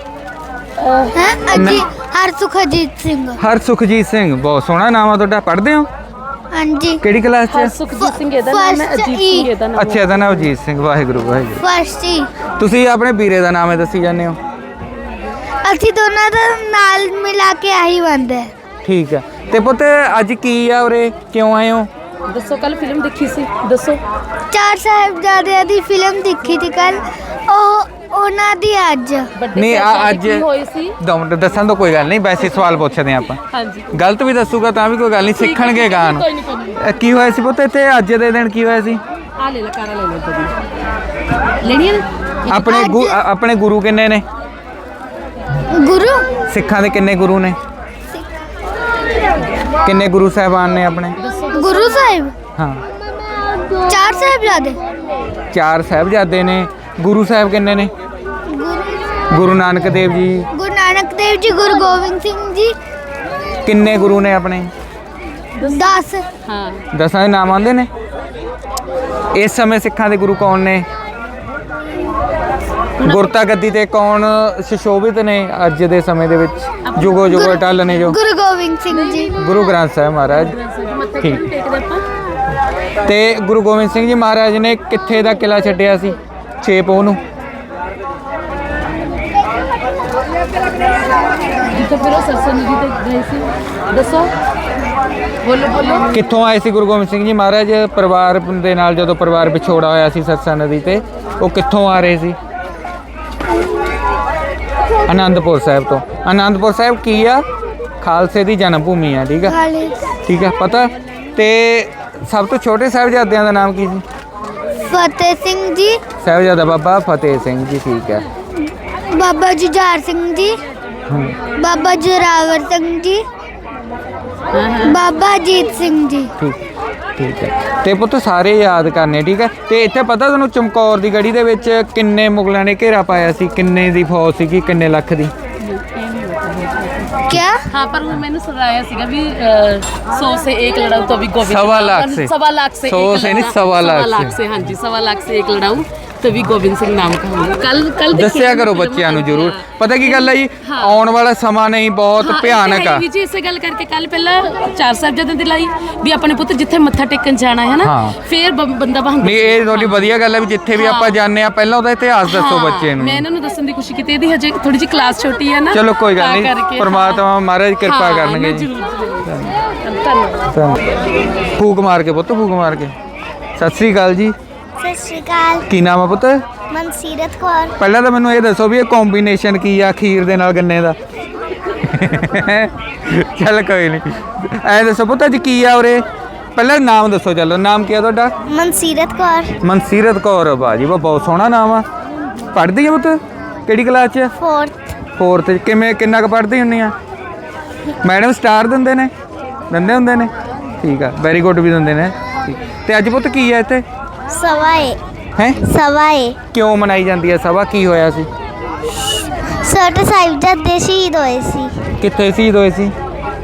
ਅਜੀ ਹਰਸੁਖਜੀਤ ਸਿੰਘ।
ਹਰਸੁਖਜੀਤ ਸਿੰਘ। ਬਹੁਤ ਸੋਹਣਾ ਨਾਮ ਆ ਤੁਹਾਡਾ। ਪੜ੍ਹਦੇ ਹੋ?
ਹਾਂਜੀ।
ਕਿਹੜੀ ਕਲਾਸ 'ਚ?
ਸੁਖਜੀਤ ਸਿੰਘ ਇਹਦਾ ਨਾਮ ਹੈ,
First
ਅਜੀਤ
E
ਸਿੰਘ ਇਹਦਾ ਨਾਮ
ਅੱਛਾ, ਇਹਦਾ ਨਾਮ ਅਜੀਤ ਸਿੰਘ। ਵਾਹਿਗੁਰੂ ਵਾਹਿਗੁਰੂ।
ਫਸਟ ਹੀ।
ਤੁਸੀਂ ਆਪਣੇ ਵੀਰੇ ਦਾ ਨਾਮ ਹੈ ਦੱਸੀ ਜਾਂਦੇ ਹੋ?
ਅਸੀਂ ਦੋਨਾਂ ਦਾ ਨਾਲ ਮਿਲਾ ਕੇ ਆਹੀ ਬੰਦੇ।
ਠੀਕ ਹੈ। ਤੇ ਪੁੱਤ ਅੱਜ ਕੀ ਆ ਉਰੇ? ਕਿਉਂ ਆਏ ਹੋ?
ਦੱਸੋ, ਕੱਲ ਫਿਲਮ ਦੇਖੀ ਸੀ, ਦੱਸੋ।
ਚਾਰ ਸਾਹਿਬਜ਼ਾਦਿਆਂ ਦੀ ਫਿਲਮ ਦੇਖੀ ਸੀ ਕੱਲ। ਉਹ ਉਹਨਾਂ ਦੀ ਅੱਜ।
ਵੱਡੇ
ਨਹੀਂ, ਆ
ਸਾਹਿਬਜ਼ਾਦੇ
ਅੱਜ
ਕੀ ਹੋਏ ਸੀ?
ਦੋ ਮਿੰਟ ਦੱਸਣ ਤੋਂ ਕੋਈ ਗੱਲ ਨਹੀਂ, ਵੈਸੇ ਸਵਾਲ ਪੁੱਛਦੇ ਹਾਂ ਆਪਾਂ।
ਹਾਂਜੀ।
ਗਲਤ ਵੀ ਦੱਸੂਗਾ ਤਾਂ ਵੀ ਕੋਈ ਗੱਲ ਨਹੀਂ, ਸਿੱਖਣਗੇ ਗਾਣ।
ਕੋਈ ਨਹੀਂ ਕੋਈ ਨਹੀਂ।
ਕੀ ਹੋਇਆ ਸੀ ਪੁੱਤ ਇੱਥੇ ਅੱਜ ਦੇ ਦਿਨ? ਕੀ ਹੋਇਆ ਸੀ?
ਆ ਲੈ ਲੈ, ਕਾਰਾ ਲੈ ਲੈ ਤਦੀ ਲੈਣੀ ਹੈ ਨਾ।
ਆਪਣੇ ਗੁ- ਅ- ਆਪਣੇ ਗੁਰੂ ਕਿੰਨੇ ਨੇ?
ਗੁਰੂ
ਸਿੱਖਾਂ ਦੇ ਕਿੰਨੇ ਗੁਰੂ ਨੇ? ਕਿੰਨੇ ਗੁਰੂ ਸਾਹਿਬਾਨ ਨੇ ਆਪਣੇ?
ਗੁਰੂ ਸਾਹਿਬ
ਹਾਂ,
ਚਾਰ ਸਾਹਿਬਜ਼ਾਦੇ।
ਚਾਰ ਸਾਹਿਬਜ਼ਾਦੇ ਨੇ। ਗੁਰੂ ਸਾਹਿਬ ਕਿੰਨੇ ਨੇ?
ਗੁਰੂ
ਗੁਰੂ ਨਾਨਕ ਦੇਵ ਜੀ।
ਗੁਰੂ ਨਾਨਕ ਦੇਵ ਜੀ, ਗੁਰੂ ਗੋਬਿੰਦ ਸਿੰਘ ਜੀ।
ਕਿੰਨੇ ਗੁਰੂ ਨੇ ਆਪਣੇ?
ਦਸ।
ਹਾਂ।
ਦਸਾਂ ਦੇ ਨਾਮ ਆਉਂਦੇ ਨੇ। ਇਸ ਸਮੇਂ ਸਿੱਖਾਂ ਦੇ ਗੁਰੂ ਕੌਣ ਨੇ? ਗੁਰਤਾ ਗੱਦੀ ਤੇ ਕੌਣ ਸੁਸ਼ੋਭਿਤ ਨੇ ਅੱਜ ਦੇ ਸਮੇਂ ਦੇ ਵਿੱਚ? ਜੁਗੋ ਜੁਗੋ ਟੱਲ ਨੇ ਜੋ।
ਗੁਰੂ ਗੋਬਿੰਦ ਸਿੰਘ ਜੀ।
ਗੁਰੂ ਗ੍ਰੰਥ ਸਾਹਿਬ ਮਹਾਰਾਜ।
ਮੱਥਾ
ਠੀਕ।
ਕਿਉਂ ਟੇਕਦੇ ਆਪਾਂ?
ਤੇ ਗੁਰੂ ਗੋਬਿੰਦ ਸਿੰਘ ਜੀ ਮਹਾਰਾਜ ਨੇ ਕਿੱਥੇ ਦਾ ਕਿਲਾ ਛੱਡਿਆ ਸੀ ਛੇ ਪੋਹ ਨੂੰ?
ਜਿੱਥੇ ਫਿਰ ਉਹ ਸਰਸਾ ਨਦੀ ਤੇ ਗਏ ਸੀ, ਦੱਸੋ, ਬੋਲੋ ਬੋਲੋ।
ਕਿੱਥੋਂ ਆਏ ਸੀ ਗੁਰੂ ਗੋਬਿੰਦ ਸਿੰਘ ਜੀ ਮਹਾਰਾਜ ਪਰਿਵਾਰ ਦੇ ਨਾਲ? ਜਦੋਂ ਪਰਿਵਾਰ ਵਿਛੋੜਾ ਹੋਇਆ ਸੀ ਸਰਸਾ ਨਦੀ ਤੇ, ਉਹ ਕਿੱਥੋਂ ਆ ਰਹੇ ਸੀ? ਆਨੰਦਪੁਰ ਸਾਹਿਬ ਤੋਂ। ਆਨੰਦਪੁਰ ਸਾਹਿਬ ਕੀ ਆ? ਖਾਲਸੇ ਦੀ ਜਨਮ ਭੂਮੀ ਆ। ਠੀਕ ਆ,
ਖਾਲੀ
ਠੀਕ ਆ, ਪਤਾ। ਤੇ ਸਭ ਤੋਂ ਛੋਟੇ ਸਾਹਿਬਜ਼ਾਦਿਆਂ ਦਾ ਨਾਮ ਕੀ ਸੀ?
ਫਤਿਹ ਸਿੰਘ ਜੀ,
ਸਾਹਿਬਜ਼ਾਦਾ ਬਾਬਾ ਫਤਿਹ ਸਿੰਘ ਜੀ। ਠੀਕ ਹੈ।
ਬਾਬਾ ਜੁਝਾਰ ਸਿੰਘ ਜੀ,
ਹਮ,
ਬਾਬਾ ਜ਼ੋਰਾਵਰ ਸਿੰਘ ਜੀ, ਬਾਬਾ ਅਜੀਤ ਸਿੰਘ ਜੀ।
ਠੀਕ ਠੀਕ ਹੈ। ਤੇ ਪੁੱਤ ਸਾਰੇ ਯਾਦ ਕਰਨੇ। ਠੀਕ ਹੈ। ਤੇ ਇੱਥੇ ਪਤਾ ਤੁਹਾਨੂੰ ਚਮਕੌਰ ਦੀ ਗੜੀ ਦੇ ਵਿੱਚ ਕਿੰਨੇ ਮੁਗਲਾਂ ਨੇ ਘੇਰਾ ਪਾਇਆ ਸੀ? ਕਿੰਨੇ ਦੀ ਫੌਜ ਸੀਗੀ? ਕਿੰਨੇ ਲੱਖ ਦੀ?
क्या
हाँ पर वो मैंने सुनाया सीगा भी सौ से एक लड़ाऊ तो अभी गोविंद
सवा लाख से।
सवा लाख से
सौ
एक
से नहीं,
लड़ा-
सवा लाख
सवा लाख
से।
से हाँ जी सवा लाख से एक लड़ाऊ तभी गोविंद ਸਿੰਘ ਨਾਮ का होगा कल कल
ਦੱਸਿਆ ਕਰੋ ਬੱਚਿਆਂ ਨੂੰ ਜ਼ਰੂਰ। ਪਤਾ ਕੀ ਗੱਲ ਹੈ ਜੀ,
ਹਾਂ।
ਆਉਣ ਵਾਲਾ ਸਮਾਂ ਨਹੀਂ ਬਹੁਤ ਭਿਆਨਕ ਆ।
ਵੀ ਜੀ ਇਸੇ ਗੱਲ ਕਰਕੇ ਕੱਲ ਪਹਿਲਾਂ ਚਾਰ ਸਾਹਿਬਜ਼ਾਦਿਆਂ ਦੀ ਲਾਈ ਵੀ ਆਪਣੇ ਪੁੱਤ ਜਿੱਥੇ ਮੱਥਾ ਟੇਕਣ ਜਾਣਾ ਹੈ ਨਾ
ਹਾਂ।
ਫੇਰ ਬ- ਬੰਦਾ ਬਹਾਂਦਰ
ਨਹੀਂ ਇਹ ਤੁਹਾਡੀ ਵਧੀਆ ਗੱਲ ਹੈ ਵੀ ਜਿੱਥੇ ਵੀ ਆਪਾਂ ਜਾਂਦੇ ਆ ਪਹਿਲਾਂ ਉਹਦਾ ਇਤਿਹਾਸ ਦੱਸੋ
ਹਾਂ,
ਬੱਚੇ ਨੂੰ।
ਮੈਂ ਇਹਨਾਂ ਨੂੰ ਦੱਸਣ ਦੀ ਕੋਸ਼ਿਸ਼ ਕੀਤੀ ਇਹਦੀ ਹਜੇ ਥੋੜੀ ਜਿਹੀ ਕਲਾਸ ਛੋਟੀ ਹੈ ਨਾ
ਚਲੋ ਕੋਈ ਗੱਲ
ਤਾਂ
ਨਹੀਂ,
ਕਰਕੇ,
ਪਰਮਾਤਮਾ ਮਹਾਰਾਜ ਕਿਰਪਾ
ਹਾਂ,
ਕਰਨਗੇ
ਮੈਂ
ਜੀ।
ਜ਼ਰੂਰ ਜ਼ਰੂਰ ਧੰਨਵਾਦ।
ਫੂਕ ਮਾਰ ਕੇ ਪੁੱਤ, ਫੂਕ ਮਾਰ ਕੇ। ਸਤਿ ਸ੍ਰੀ ਅਕਾਲ ਜੀ।
ਸਤਿ ਸ਼੍ਰੀ ਅਕਾਲ
ਕੀ ਨਾਮ ਆ ਪੁੱਤ?
ਮਨਸੀਰਤ ਕੌਰ
ਪਹਿਲਾਂ ਤਾਂ ਮੈਨੂੰ ਇਹ ਦੱਸੋ ਵੀ ਇਹ ਕੰਬੀਨੇਸ਼ਨ ਕੀ ਆ ਖੀਰ ਦੇ ਨਾਲ ਗੰਨੇ ਦਾ? ਚੱਲ ਕੋਈ ਨਹੀਂ, ਐ ਦੱਸੋ ਪੁੱਤ ਅੱਜ ਕੀ ਆ ਉਰੇ? ਪਹਿਲਾਂ ਨਾਮ ਦੱਸੋ, ਚਲੋ ਨਾਮ ਕੀ ਆ ਤੁਹਾਡਾ?
ਮਨਸੀਰਤ ਕੌਰ
ਮਨਸੀਰਤ ਕੌਰ। ਬਾਜੀ ਵਾ ਬਹੁਤ ਸੋਹਣਾ ਨਾਮ ਆ। ਪੜ੍ਹਦੀ ਆ ਪੁੱਤ? ਕਿਹੜੀ ਕਲਾਸ 'ਚ?
ਫੋਰਥ
ਫੋਰਥ 'ਚ। ਕਿਵੇਂ ਕਿੰਨਾ ਕੁ ਪੜ੍ਹਦੀ ਹੁੰਨੀ ਆ? ਮੈਡਮ ਸਟਾਰ ਦਿੰਦੇ ਨੇ? ਦਿੰਦੇ ਹੁੰਦੇ ਨੇ, ਠੀਕ ਆ, ਵੈਰੀ ਗੁੱਡ ਵੀ ਦਿੰਦੇ ਨੇ। ਠੀਕ। ਤੇ ਅੱਜ ਪੁੱਤ ਕੀ ਆ ਇੱਥੇ?
ਸਵਾਏ
ਹੈ
ਸਵਾਏ
ਕਿਉਂ ਮਨਾਈ ਜਾਂਦੀ ਹੈ ਸਭਾ? ਕੀ ਹੋਇਆ ਸੀ?
ਛੋਟੇ ਸਾਹਿਬਜ਼ਾਦੇ ਸ਼ਹੀਦ ਹੋਏ ਸੀ
ਕਿੱਥੇ ਸ਼ਹੀਦ ਹੋਏ ਸੀ?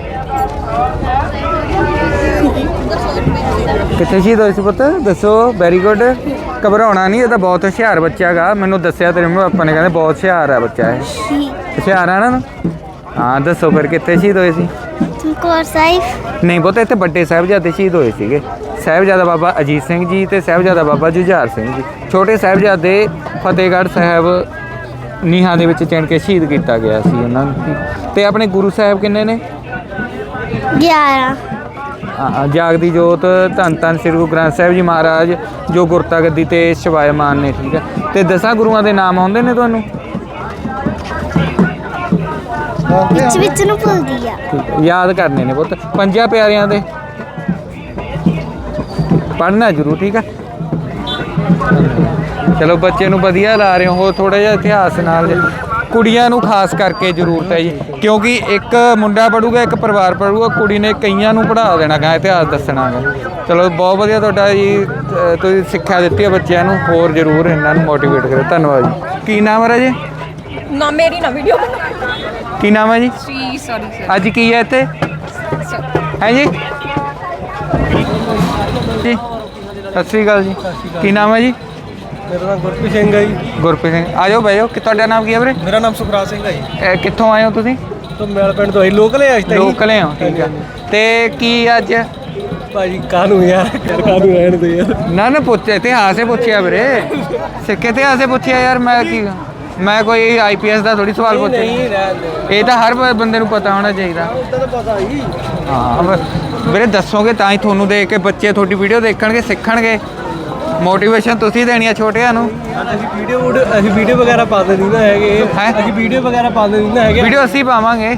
ਕਿੱਥੇ ਸ਼ਹੀਦ ਹੋਏ ਸੀ ਪੁੱਤ? ਦੱਸੋ। Very good. ਘਬਰਾਉਣਾ ਨਹੀਂ, ਇਹ ਤਾਂ ਬਹੁਤ ਹੁਸ਼ਿਆਰ ਬੱਚਾ ਹੈਗਾ। ਮੈਨੂੰ ਦੱਸਿਆ ਤੇਰੇ ਮੰਮੀ ਪਾਪਾ ਨੇ, ਕਹਿੰਦੇ ਬਹੁਤ ਹੁਸ਼ਿਆਰ ਹੈ ਬੱਚਾ ਇਹ। ਹੁਸ਼ਿਆਰ ਆ ਨਾ? ਹਾਂ ਦੱਸੋ ਫਿਰ ਕਿੱਥੇ ਸ਼ਹੀਦ ਹੋਏ ਸੀ?
ਚਮਕੌਰ ਸਾਹਿਬ
ਨਹੀਂ ਪੁੱਤ, ਇੱਥੇ ਵੱਡੇ ਸਾਹਿਬਜ਼ਾਦੇ ਸ਼ਹੀਦ ਹੋਏ ਸੀਗੇ। ਸਾਹਿਬਜ਼ਾਦਾ ਬਾਬਾ ਅਜੀਤ ਸਿੰਘ ਜੀ ਤੇ ਸਾਹਿਬਜ਼ਾਦਾ ਬਾਬਾ ਜੁਝਾਰ ਸਿੰਘ ਜੀ। ਛੋਟੇ ਸਾਹਿਬਜ਼ਾਦੇ ਫਤਿਹਗੜ੍ਹ ਸਾਹਿਬ ਨੀਹਾਂ ਦੇ ਵਿੱਚ ਚਿਣ ਕੇ ਸ਼ਹੀਦ ਕੀਤਾ ਗਿਆ ਸੀ ਉਹਨਾਂ ਨੂੰ। ਤੇ ਆਪਣੇ ਗੁਰੂ ਸਾਹਿਬ ਕਿੰਨੇ ਨੇ?
ਗਿਆਰਾਂ
ਹਾਂ, ਜਾਗਦੀ ਜੋਤ ਧੰਨ ਧੰਨ ਸ੍ਰੀ ਗੁਰੂ ਗ੍ਰੰਥ ਸਾਹਿਬ ਜੀ ਮਹਾਰਾਜ ਜੋ ਗੁਰਤਾ ਗੱਦੀ ਤੇ ਸ਼ਿਵਾਇਮਾਨ ਨੇ। ਠੀਕ ਹੈ। ਤੇ ਦਸਾਂ ਗੁਰੂਆਂ ਦੇ ਨਾਮ ਆਉਂਦੇ ਨੇ ਤੁਹਾਨੂੰ?
ਵਿੱਚ ਵਿੱਚ ਨੂੰ ਭੁੱਲਦੀ ਆ
ਠੀਕ ਹੈ, ਯਾਦ ਕਰਨੇ ਨੇ ਪੁੱਤ। ਪੰਜਾਂ ਪਿਆਰਿਆਂ ਦੇ ਪੜ੍ਹਨਾ ਜ਼ਰੂਰ, ਠੀਕ ਹੈ। ਚਲੋ ਬੱਚੇ ਨੂੰ ਵਧੀਆ ਲਾ ਰਹੇ ਹੋ। ਥੋੜਾ ਜਿਹਾ ਇਤਿਹਾਸ ਨਾਲ ਜੇ- ਕੁੜੀਆਂ ਨੂੰ ਖਾਸ ਕਰਕੇ ਜ਼ਰੂਰਤ ਹੈ ਜੀ, ਕਿਉਂਕਿ ਇੱਕ ਮੁੰਡਾ ਪੜੂਗਾ ਇੱਕ ਪਰਿਵਾਰ ਪੜੂਗਾ, ਕੁੜੀ ਨੇ ਕਈਆਂ ਨੂੰ ਪੜ੍ਹਾ ਦੇਣਾ ਗਾ, ਇਤਿਹਾਸ ਦੱਸਣਾ ਗਾ। ਚਲੋ ਬਹੁਤ ਵਧੀਆ ਤੁਹਾਡਾ ਜੀ, ਅ, ਤੁਸੀਂ ਸਿੱਖਿਆ ਦਿੱਤੀ ਹੈ ਬੱਚਿਆਂ ਨੂੰ। ਹੋਰ ਜ਼ਰੂਰ ਇਹਨਾਂ ਨੂੰ ਮੋਟੀਵੇਟ ਕਰੋ। ਧੰਨਵਾਦ ਜੀ। ਕੀ ਨਾਮ ਹੈ ਰਾਜੇ?
ਨਾ ਮੇਰੀ ਨਾ ਵੀਡੀਓ
ਕੀ ਨਾਮ ਹੈ ਜੀ?
ਸੀ ਸੌਰੀ ਸਰ
ਅੱਜ ਕੀ ਹੈ ਇੱਥੇ? ਹੈ ਜੀ? ਜੀ ਸਤਿ ਸ਼੍ਰੀ ਅਕਾਲ ਜੀ। ਕੀ ਨਾਮ ਹੈ ਜੀ?
ਮੇਰਾ ਨਾਮ ਗੁਰਪ੍ਰੀਤ ਸਿੰਘ ਹੈ ਜੀ।
ਗੁਰਪ੍ਰੀਤ ਸਿੰਘ। ਆ ਜਾਓ ਬਹਿ ਜਾਓ। ਕਿ ਤੁਹਾਡਾ ਨਾਮ ਕੀ ਹੈ ਵੀਰੇ?
ਮੇਰਾ ਨਾਮ ਸੁਖਰਾਜ ਸਿੰਘ ਹੈ ਜੀ।
ਇਹ ਕਿੱਥੋਂ ਆਏ ਹੋ ਤੁਸੀਂ?
ਤੋਂ ਮੈਲ ਪਿੰਡ ਤੋਂ ਆਈ ਲੋਕਲ ਹੈ ਅੱਜ ਤੱਕ
ਲੋਕਲ ਹੋ, ਠੀਕ ਆ। ਤੇ ਕੀ ਅੱਜ
ਭਾਜੀ ਕਾਹਨੂੰ ਯਾਰ ਕਾਹਨੂੰ ਰਹਿਣ ਦੇ ਯਾਰ।
ਨਾ ਨਾ ਪੁੱਛ ਇਤਿਹਾਸ ਹੀ ਪੁੱਛਿਆ ਵੀਰੇ, ਸਿੱਖ ਇਤਿਹਾਸ ਹੀ ਪੁੱਛਿਆ ਯਾਰ। ਮੈਂ ਕੀ ਮੈਂ ਕੋਈ ਆਈ ਪੀ ਐਸ ਦਾ ਥੋੜੀ ਸਵਾਲ ਪੁੱਛਿਆ।
ਨਹੀਂ ਰਹਿਣ ਦੇ,
ਇਹ ਤਾਂ ਹਰ ਬ- ਬੰਦੇ ਨੂੰ ਪਤਾ ਹੋਣਾ ਚਾਹੀਦਾ।
ਉਦਾਂ ਤਾਂ ਪਤਾ ਹੀ।
ਹਾਂ ਵ- ਵੀਰੇ ਦੱਸੋਗੇ ਤਾਂ ਹੀ ਤੁਹਾਨੂੰ ਦੇਖ ਕੇ ਬੱਚੇ ਤੁਹਾਡੀ ਵੀਡੀਓ ਦੇਖਣਗੇ, ਸਿੱਖਣਗੇ। ਮੋਟੀਵੇਸ਼ਨ ਤੁਸੀਂ ਦੇਣੀ ਆ ਛੋਟਿਆਂ ਨੂੰ।
ਅਸੀਂ ਵੀਡੀਓ ਅਸੀਂ ਵੀਡੀਓ ਵਗੈਰਾ ਪਾਉਂਦੇ ਨਹੀਂ ਨਾ ਹੈਗੇ।
ਹੈਂ?
ਅਸੀਂ ਵੀਡੀਓ ਵਗੈਰਾ ਪਾਉਂਦੇ ਨਹੀਂ ਨਾ ਹੈਗੇ।
ਵੀਡੀਓ ਅਸੀਂ ਪਾਵਾਂਗੇ।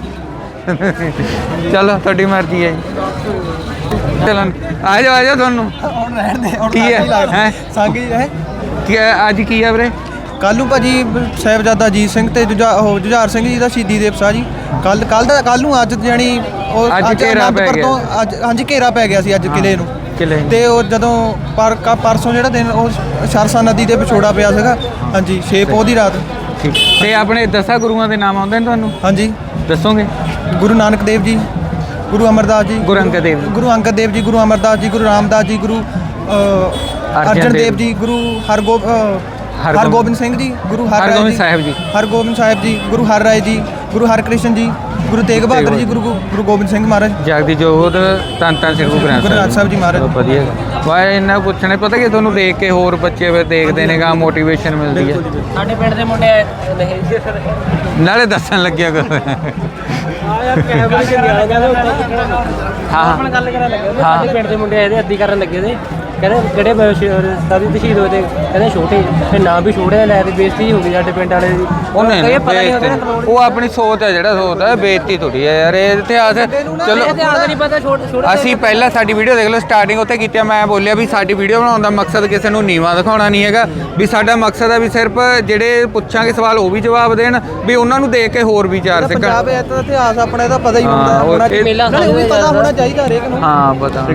ਚਲੋ ਤੁਹਾਡੀ ਮਰਜ਼ੀ ਹੈ ਜੀ। ਚਲੋ ਆ ਜਾਓ ਆ ਜਾਓ ਤੁਹਾਨੂੰ
ਹੁਣ ਰਹਿਣ ਦੇ ਹੁਣ
ਕੀ ਹੈ? ਹੈਂ?
ਸੰਗ ਜੀ ਹੈ
ਕੀ ਹੈ- ਅੱਜ ਕੀ ਆ ਵੀਰੇ?
ਕੱਲ ਨੂੰ ਭਾਜੀ ਸਾਹਿਬਜ਼ਾਦਾ ਅਜੀਤ ਸਿੰਘ ਤੇ ਜੁਝਾ ਉਹ ਜੁਝਾਰ ਸਿੰਘ ਜੀ ਦਾ ਸ਼ਹੀਦੀ ਦਿਵਸ ਆ ਜੀ। ਕੱਲ ਕੱਲ ਦਾ ਕੱਲ ਨੂੰ ਅੱਜ ਜਾਣੀ ਉਹ
ਅੱਜ ਘੇਰਾ ਪੈ
ਅਨੰਦਪੁਰ
ਗਿਆ।
ਤੋਂ ਅੱਜ ਹਾਂਜੀ ਘੇਰਾ ਪੈ ਗਿਆ ਸੀ ਅੱਜ ਕਿਲੇ ਨੂੰ।
ਕਿਲੇ ਨੂੰ।
ਤੇ ਉਹ ਜਦੋਂ ਪਰ ਕ- ਪਰਸੋਂ ਜਿਹੜਾ ਦਿਨ ਉਹ ਸਰਸਾ ਨਦੀ ਦੇ ਵਿਛੋੜਾ ਪਿਆ ਸੀਗਾ। ਹਾਂਜੀ ਛੇ ਪੋਹ ਦੀ ਰਾਤ।
ਠੀਕ। ਤੇ ਆਪਣੇ ਦਸਾਂ ਗੁਰੂਆਂ ਦੇ ਨਾਮ ਆਉਂਦੇ ਨੇ ਤੁਹਾਨੂੰ?
ਹਾਂਜੀ
ਦੱਸੋਗੇ?
ਗੁਰੂ ਨਾਨਕ ਦੇਵ ਜੀ, ਗੁਰੂ ਅਮਰਦਾਸ ਜੀ,
ਗੁਰੂ ਅੰਗਦ ਦੇਵ ਜੀ।
ਗੁਰੂ ਅੰਗਦ ਦੇਵ ਜੀ, ਗੁਰੂ ਅਮਰਦਾਸ ਜੀ, ਗੁਰੂ ਰਾਮਦਾਸ ਜੀ, ਗੁਰੂ ਅ, ਅਰਜਨ ਦੇਵ ਜੀ, ਗੁਰੂ ਹਰਗੋਬ ਅ,
ਹਰਗੋਬਿੰਦ-
ਹਰਗੋਬਿੰਦ ਸਿੰਘ ਜੀ, ਗੁਰੂ ਹਰ
ਹਰਗੋਬਿੰਦ ਸਾਹਿਬ ਜੀ।
ਹਰਗੋਬਿੰਦ ਸਾਹਿਬ ਜੀ, ਗੁਰੂ ਹਰ ਰਾਏ ਜੀ, ਗੁਰੂ ਹਰਕ੍ਰਿਸ਼ਨ ਜੀ, ਗੁਰੂ ਤੇਗ ਬਹਾਦਰ ਜੀ, ਗੁਰੂ ਗੋ- ਗੁਰੂ ਗੋਬਿੰਦ ਸਿੰਘ ਮਹਾਰਾਜ।
ਜਾਗਦੀ ਜੋਤ ਧੰਨ ਧੰਨ ਸ੍ਰੀ ਗੁਰੂ ਗ੍ਰੰਥ
ਗੁਰੂ ਗ੍ਰੰਥ ਸਾਹਿਬ ਜੀ ਮਹਾਰਾਜ।
ਚਲੋ ਵਧੀਆ। ਵਾਏ ਇਹਨਾਂ ਪੁੱਛਣੇ ਪਤਾ ਕਿ ਤੁਹਾਨੂੰ ਦੇਖ ਕੇ ਹੋਰ ਬੱਚੇ ਫਿਰ ਦੇਖਦੇ ਨੇ ਗਾ, ਮੋਟੀਵੇਸ਼ਨ ਮਿਲਦੀ ਹੈ।
ਸਾਡੇ ਪਿੰਡ ਦੇ ਮੁੰਡੇ ਨਹੀਂ ਜੀ ਸਰ।
ਨਾਲੇ ਦੱਸਣ ਲੱਗਿਆ ਕਰ।
ਆ ਯਾਰ ਕੈਮਰੇ 'ਚ ਨਹੀਂ ਆ ਗਿਆ
ਹਾਂ
ਆਪਣਾ ਗੱਲ ਕਰਨ ਲੱਗੇ ਉਹਦੇ।
ਹਾਂ।
ਸਾਡੇ ਪਿੰਡ ਦੇ ਮੁੰਡੇ ਇਹਦੇ ਅੱਧੀ ਕਰਨ ਲੱਗੇ ਤੇ ਕਹਿੰਦੇ ਕਿਹੜੇ ਸਾਦੀ ਤਸ਼ਹੀਦ ਹੋਏ ਤੇ ਕਹਿੰਦੇ ਛੋਟੇ ਤੇ ਨਾਂ ਵੀ ਛੋਟੇ ਲੈ ਤੇ ਬੇਇੱਜ਼ਤੀ ਹੋ ਗਈ ਸਾਡੇ ਪਿੰਡ ਵਾਲੇ ਦੀ।
ਉਹ ਨਹੀਂ
ਕਈ ਪਤਾ ਨਹੀਂ ਹੁੰਦਾ ਨਾ
ਬੇਇੱਜ਼ਤੀ- ਉਹ ਆਪਣੀ ਸੋਚ ਹੈ, ਜਿਹੜਾ ਸੋਚ ਹੈ ਬੇਇੱਜ਼ਤੀ ਥੋੜੀ ਹੈ ਯਾਰ। ਇਹ ਇਤਿਹਾਸ ਚਲੋ
ਇਤਿਹਾਸ ਨਹੀਂ ਪਤਾ ਛੋਟੇ ਛੋਟੇ
ਅਸੀਂ ਪਹਿਲਾਂ ਸਾਡੀ ਵੀਡੀਓ ਦੇਖ ਲਓ, ਸਟਾਰਟਿੰਗ ਉੱਥੇ ਕੀਤੀ ਆ। ਮੈਂ ਬੋਲਿਆ ਵੀ ਸਾਡੀ ਵੀਡੀਓ ਬਣਾਉਣ ਦਾ ਮਕਸਦ ਕਿਸੇ ਨੂੰ ਨੀਵਾਂ ਦਿਖਾਉਣਾ ਨਹੀਂ ਹੈਗਾ, ਵੀ ਸਾਡਾ ਮਕਸਦ ਹੈ ਵੀ ਸਿਰਫ ਜਿਹੜੇ ਪੁੱਛਾਂਗੇ ਸਵਾਲ ਉਹ ਵੀ ਜਵਾਬ ਦੇਣ, ਵੀ ਉਹਨਾਂ ਨੂੰ ਦੇਖ ਕੇ ਹੋਰ ਵੀ ਚਾਰ ਸਿੱਖਣ।
ਪੰਜਾਬ ਇਹ ਤਾਂ ਇਤਿਹਾਸ ਆਪਣਾ ਇਹਦਾ ਪਤਾ ਹੀ
ਹਾਂ,
ਹੁੰਦਾ
ਉਹ
ਹੋਣਾ
ਇਹ-
ਚਾਹੀਦਾ। ਨਾਲੇ ਉਹ ਵੀ ਪਤਾ ਹੋਣਾ ਚਾਹੀਦਾ ਹਰੇਕ ਨੂੰ।
ਹਾਂ ਪਤਾ।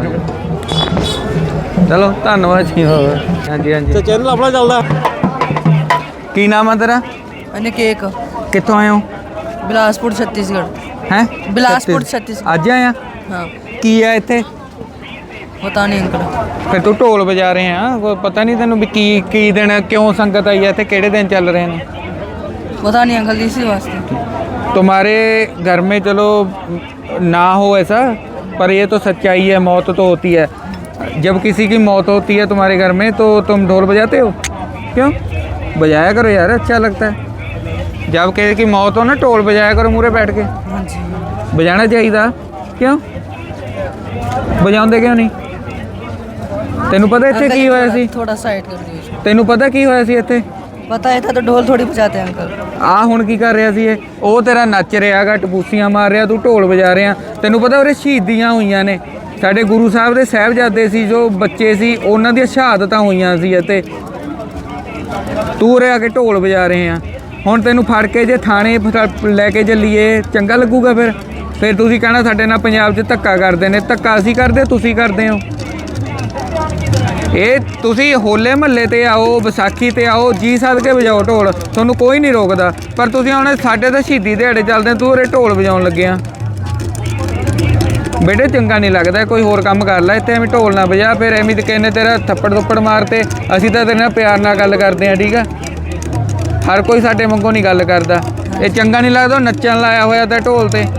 ਚਲੋ ਧੰਨਵਾਦ ਜੀ। ਹੋਰ ਹਾਂਜੀ ਹਾਂਜੀ।
ਚੈਨਲ ਆਪਣਾ ਚੱਲਦਾ।
ਕੀ ਨਾਮ ਹੈ ਤੇਰਾ?
मैंने केक
ਕਿੱਥੋਂ ਆਏ ਹੋ?
बिलासपुर छत्तीसगढ़।
हैं
बिलासपुर छत्तीसगढ़।
ਅੱਜ ਆਇਆ
हाँ
ਕੀ ਹੈ ਇੱਥੇ
पता नहीं अंकल।
ਫਿਰ ਤੂੰ ਢੋਲ ਵਜਾ ਰਹੇ ਆ ਕੋਈ ਪਤਾ ਨਹੀਂ ਤੈਨੂੰ ਵੀ ਕੀ ਕੀ ਦਿਨ ਕਿਉਂ ਸੰਗਤ ਆਈ ਹੈ ਇੱਥੇ ਕਿਹੜੇ ਦਿਨ ਚੱਲ ਰਹੇ ਨੇ
पता नहीं अंकल इसी वास्ते।
तुम्हारे घर में चलो ना हो ऐसा पर ये तो सच्चाई है मौत तो होती है जब किसी की मौत होती है तुम्हारे घर में तो तुम ढोल बजाते हो क्यों बजाया करो यार अच्छा लगता है जब किसी की मौत हो ना ढोल बजाया करो मूरे बैठ के
हाँ जी।
बजाना चाहिए क्यों बजाते क्यों नहीं तेनू पता इत्थे की होया सी
थोड़ा साइड कर दियो।
तेनू पता की होया सी इत्थे
पता है था तो ढोल थोड़ी बजाते हैं अंकल।
ਆ ਹੁਣ ਕੀ ਕਰ ਰਿਹਾ ਸੀ ਇਹ ਉਹ ਤੇਰਾ ਨੱਚ ਰਿਹਾਗਾ ਟਪੂਸੀਆਂ ਮਾਰ ਰਿਹਾ ਤੂੰ ਢੋਲ ਵਜਾ ਰਿਹਾ ਤੈਨੂੰ ਪਤਾ ਉਹਦੇ ਸ਼ਹੀਦੀਆਂ ਹੋਈਆਂ ਨੇ ਸਾਡੇ ਗੁਰੂ ਸਾਹਿਬ ਦੇ ਸਾਹਿਬਜ਼ਾਦੇ ਸੀ ਜੋ ਬੱਚੇ ਸੀ ਉਹਨਾਂ ਦੀਆਂ ਸ਼ਹਾਦਤਾਂ ਹੋਈਆਂ ਸੀ ਅਤੇ ਤੂੰ ਉਰੇ ਆ ਕੇ ਢੋਲ ਵਜਾ ਰਹੇ ਆ ਹੁਣ ਤੈਨੂੰ ਫੜ ਕੇ ਜੇ ਥਾਣੇ ਫ- ਲੈ ਕੇ ਚੱਲੀਏ ਚੰਗਾ ਲੱਗੂਗਾ ਫਿਰ ਫਿਰ ਤੁਸੀਂ ਕਹਿਣਾ ਸਾਡੇ ਨਾਲ ਪੰਜਾਬ 'ਚ ਧੱਕਾ ਕਰਦੇ ਨੇ ਧੱਕਾ ਅਸੀਂ ਕਰਦੇ ਤੁਸੀਂ ਕਰਦੇ ਹੋ ਇਹ ਤੁਸੀਂ ਹੋਲੇ ਮਹੱਲੇ ਤੇ ਆਓ ਵਿਸਾਖੀ ਤੇ ਆਓ ਜੀ ਸੱਦ ਕੇ ਵਜਾਓ ਢੋਲ ਤੁਹਾਨੂੰ ਕੋਈ ਨਹੀਂ ਰੋਕਦਾ ਪਰ ਤੁਸੀਂ ਹੁਣ ਸਾਡੇ ਤਾਂ ਸ਼ਹੀਦੀ ਦਿਹਾੜੇ ਚੱਲਦੇ ਤੂੰ ਉਰੇ ਢੋਲ ਵਜਾਉਣ ਲੱਗਿਆ ਬੇਟੇ ਚੰਗਾ ਨਹੀਂ ਲੱਗਦਾ ਕੋਈ ਹੋਰ ਕੰਮ ਕਰ ਲੈ ਇੱਥੇ ਐਵੇਂ ਢੋਲ ਨਾ ਵਜਾ ਫਿਰ ਐਵੇਂ ਤੇ ਕਹਿੰਦੇ ਤੇਰਾ ਥੱਪੜ ਥੁੱਪੜ ਮਾਰਤੇ ਅਸੀਂ ਤਾਂ ਤੇਰੇ ਨਾਲ ਪਿਆਰ ਨਾਲ ਗੱਲ ਕਰਦੇ ਆ ਠੀਕ ਆ ਹਰ ਕੋਈ ਸਾਡੇ ਵਾਂਗੋਂ ਨਹੀਂ ਗੱਲ ਕਰਦਾ ਇਹ ਚੰਗਾ ਨਹੀਂ ਲੱਗਦਾ ਨੱਚਣ ਲਾਇਆ ਹੋਇਆ ਤਾਂ ਢੋਲ ਤੇ